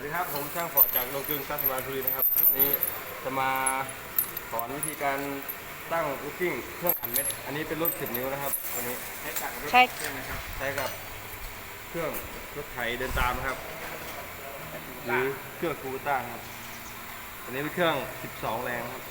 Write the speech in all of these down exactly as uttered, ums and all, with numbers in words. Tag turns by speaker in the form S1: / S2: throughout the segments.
S1: ดีครับผมช่างฟอร์ดจากโรงกลึงสร้างสมาร์ทบุรีนะครับวันนี้จะมาสอนวิธีการตั้งลูกกิ้งเครื่องอัดเม็ดอันนี้เป็นรุ่นสิบนิ้วนะครับตัวนี้ใช้กับรถเครื่องนะครับใช้กับเครื่องรถไถเดินตามนะครับหรือเครื่องคูต้าครับอันนี้เป็นเครื่องสิบสองแรงครับ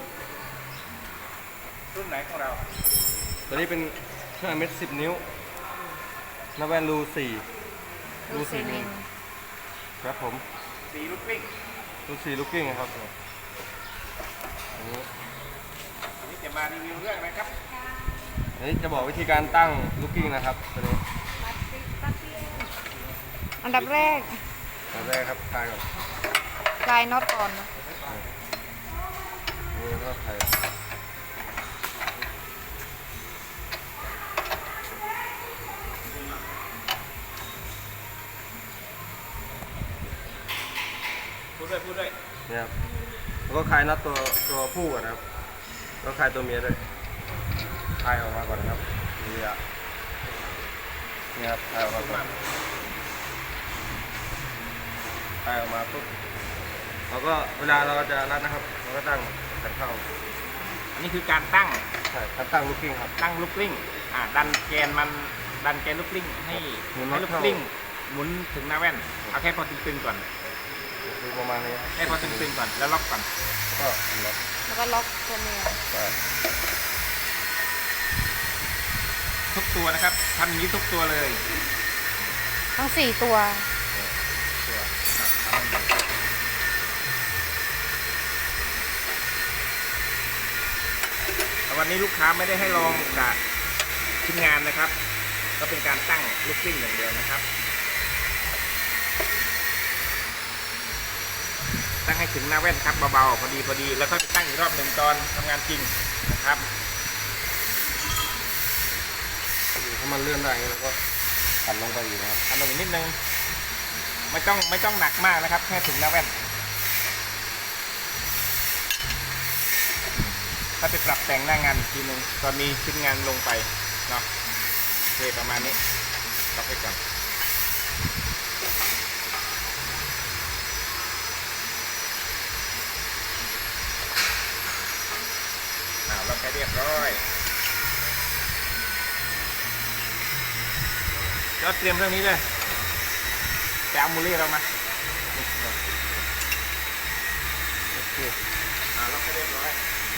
S2: รุ่นไหนของเรา
S1: ตัวนี้เป็นเครื่องอัดเม็ดสิบนิ้วนาแวนรูสี่
S3: รูสี่มิล
S1: ครับผม
S2: สีลูกกิ้ง
S1: รูสี่ลูกกิ้งนะครับอันนี้
S2: อันนี้จะมารีวิวเรื่องอะไรครับ
S1: อันนี้จะบอกวิธีการตั้งลูกกิ้งนะครับตัวนี้
S3: อันดับแรก
S1: อันดับแรกครับคลายก่อน
S3: คลายน็อตก่อนนะ
S1: นี่ก็คลาย
S2: พูดด้วยพูดด้วย
S1: เนี่ยครับแล้วก็คลายน็อตตัวตัวผู้ก่อนนะครับแล้วคลายตัวเมียด้วยคลายออกมาก่อนนะครับนี่อ่ะนี่ครับคลายออกมาก่อนคลายออกมาปุ๊บเราก็เวลาเราจะรัดนะครับเราก็ตั้งขันเข้า
S2: อันนี้คือการตั้ง
S1: ใช่การตั้งลูกกิ้งครับ
S2: ตั้งลูกกิ้งอ่าดันแกนมันดันแกนลูกกิ้งให้ให้ลูกกิ้งหมุนถึงหน้าแว่นเอาแค่พอตึงๆก่อน
S1: ดูประมาณนี้
S2: ให้พอตึงๆก่อนแล้วล็อกก่อน
S1: ก็ล็อก
S3: แล้วก็ล็อกตัวเมีย
S2: ทุกตัวนะครับทำอย่างนี้ทุกตัวเลย
S3: ทั้งสี่ตัว
S2: วันนี้ลูกค้าไม่ได้ให้ลองกับชิ้นงานนะครับก็เป็นการตั้งลูกกิ้งอย่างเดียวนะครับตั้งให้ถึงหน้าแว่นครับเบาๆพอดีพอดีแล้วก็ตั้งอีกรอบหนึ่งตอนทำงานจริงนะครับ
S1: ถ้ามันเลื่อนได้แล้วก็ขันลงไปอีกนะครับ
S2: ขันลงอีกนิดนึงไม่ต้องไม่ต้องหนักมากนะครับแค่ถึงหน้าแว่นถ้าไปปรับแต่งหน้างานทีนึงตอนมีชิ้นงานลงไปเนาะโอเคประมาณนี้ล็อกไว้ก่อนล็อกให้เรียบร้อยก็เตรียมเรื่องนี้เลยแต่เอามูลี่เรามาโอเคอ่าล็อกให้เรียบร้อย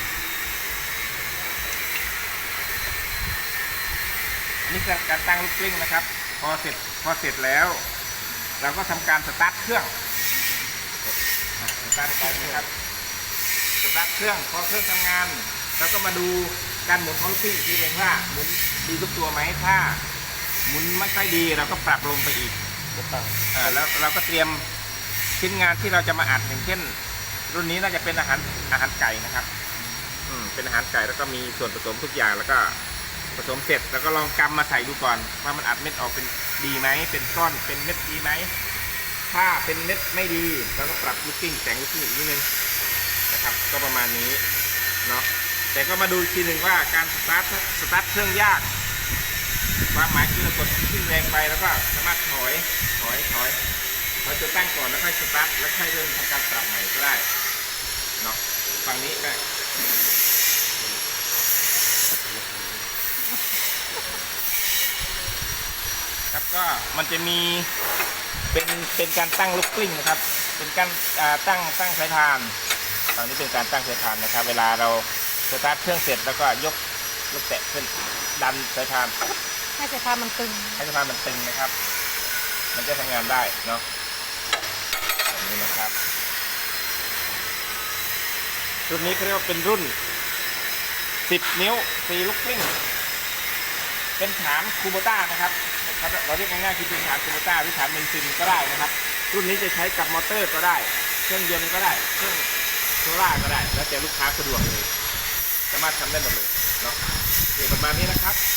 S2: นี่คือการตั้งลูกกลิ้งนะครับพอเสร็จพอเสร็จแล้วเราก็ทำการสตาร์ทเครื่องสตาร์ทเครื่องนะครับสตาร์ทเครื่องพอเครื่องทำงานแล้วก็มาดูการหมุนของลูกกิ้งทีนึงว่าหมุนดีทุกตัวไหมถ้าหมุนไม่ค่อยดีเราก็ปรับลงไปอีกอ่าแล้วเราก็เตรียมชิ้นงานที่เราจะมาอัดอย่างเช่นรุ่นนี้น่าจะเป็นอาหารอาหารไก่นะครับอืมเป็นอาหารไก่แล้วก็มีส่วนผสมทุกอย่างแล้วก็ผสมเสร็จแล้วก็ลองกำมาใส่ดูก่อนว่ามันอัดเม็ดออกเป็นดีไหมเป็นก้อนเป็นเม็ดดีไหมถ้าเป็นเม็ดไม่ดีเราก็ปรับลูกกิ้งแต่งลูกกิ้งอีกนิดนึงนะครับก็ประมาณนี้เนาะแต่ก็มาดูอีกทีหนึ่งว่าการสตาร์ทสตาร์ทเครื่องยากความหมายคือกดขึ้นแรงไปแล้วก็สามารถถอยถอยถอยเราจะตั้งก่อนแล้วค่อยสตาร์ทแล้วค่อยเริ่มทำการปรับใหม่ก็ได้เนาะฝั่งนี้ได้ครับก็มันจะมีเป็นเป็นการตั้งลูกกลิ้งนะครับเป็นการตั้งตั้งสายพานฝั่งนี้เป็นการตั้งสายพานนะครับเวลาเราสตาร์ทเครื่องเสร็จแล้วก็ยกยกแตะขึ้นดันสายพาน
S3: ให้สายพานมันตึง
S2: ให้สายพานมันตึงนะครับมันจะทำงานได้เนาะแบบนี้นะครับรุ่นนี้เขาเรียกว่าเป็นรุ่นสิบนิ้วสี่ลูกกลิ้งเป็นฐานคูโบต้านะครับเราเรียกง่ายๆคือเป็นฐานคูโบต้าหรือฐานเบนซินก็ได้นะครับรุ่นนี้จะใช้กับมอเตอร์ก็ได้เครื่องยนต์ก็ได้เครื่องโซล่าก็ได้แล้วแต่ลูกค้าสะดวกเลยสามารถทำได้หมดเลยเนาะประมาณนี้นะครับ